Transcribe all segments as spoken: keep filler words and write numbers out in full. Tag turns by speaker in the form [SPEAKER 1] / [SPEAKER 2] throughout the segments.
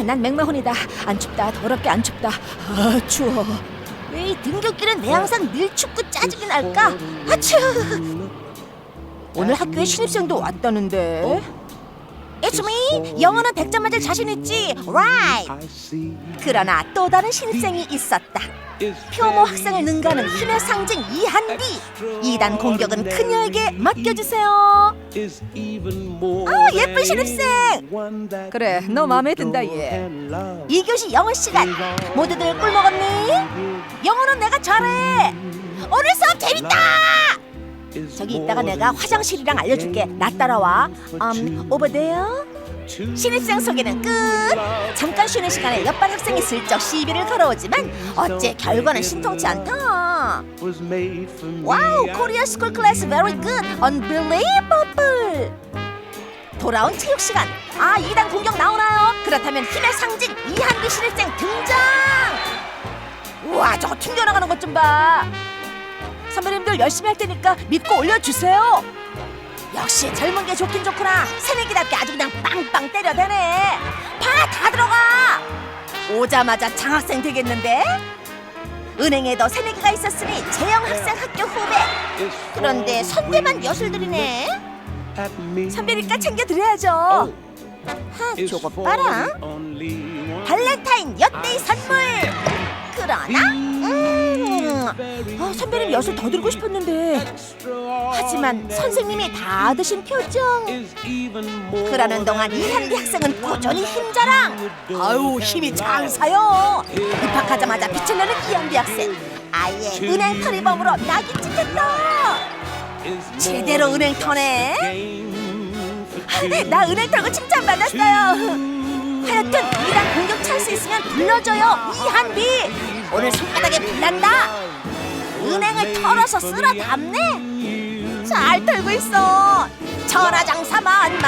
[SPEAKER 1] 난 맥마혼이다. 안 춥다. 더럽게 안 춥다. 아, 추워. 왜 이 등굣길은 내 항상 늘 춥고 짜증이 날까? 아추! 오늘 학교에 신입생도 왔다는데. It's me. 영어는 백 점 맞을 자신 있지. Right. 그러나 또 다른 신입생이 있었다. 표모 학생을 능가하는 힘의 상징 이한비. 이단 공격은 그녀에게 맡겨주세요. 아, 예쁜 신입생. 그래, 너 마음에 든다 얘. 이 교시 영어 시간. 모두들 꿀 먹었니? 영어는 내가 잘해. 오늘 수업 재밌다. 저기 이따가 내가 화장실이랑 알려줄게. 나 따라와. Um, over there. 신입생 소개는 끝. 잠깐 쉬는 시간에 옆반 학생이 슬쩍 시비를 걸어오지만 어째 결과는 신통치 않다. 와우, 코리아 스쿨 클래스 very good. Unbelievable. 돌아온 체육 시간. 아, 이단 공격 나오나요? 그렇다면 힘의 상징 이한비 신입생 등장. 우와, 저거 튕겨나가는 것 좀 봐. 선배님들 열심히 할 테니까 믿고 올려주세요. 역시 젊은 게 좋긴 좋구나. 새내기답게 아주 그냥 빵빵 때려대네. 봐, 다 들어가. 오자마자 장학생 되겠는데? 은행에도 새내기가 있었으니 재영 학생 학교 후배. 그런데 선배만 여술들이네. 선배니까 챙겨드려야죠. 하, 저거 봐라. 발렌타인 엿데이 선물. 그러나 음, 아, 선배님 엿을 더 들고 싶었는데. 하지만 선생님이 다 드신 표정. 그러는 동안 이한비 학생은 꾸준히 힘자랑. 아유, 힘이 장사요. 입학하자마자 빛을 내는 이한비 학생. 아예 은행 털이범으로 낙이 찍혔다. 제대로 은행 터네. 나 은행 털고 칭찬받았어요. 하여튼 이단 공격 찬스 있으면 불러줘요. 이한비 오늘 손바닥에 불난다. 은행을 털어서 쓸어 담네. 잘 털고 있어. 천하장사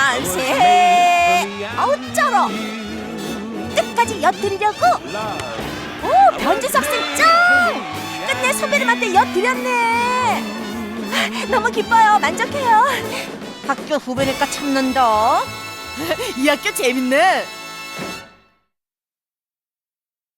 [SPEAKER 1] 만만세. 아우 쩔어. 끝까지 엿드리려고. 오, 변지수 학생 짱. 끝내 선배님한테 엿드렸네. 너무 기뻐요. 만족해요. 학교 후배니까 참는다. 이 학교 재밌네.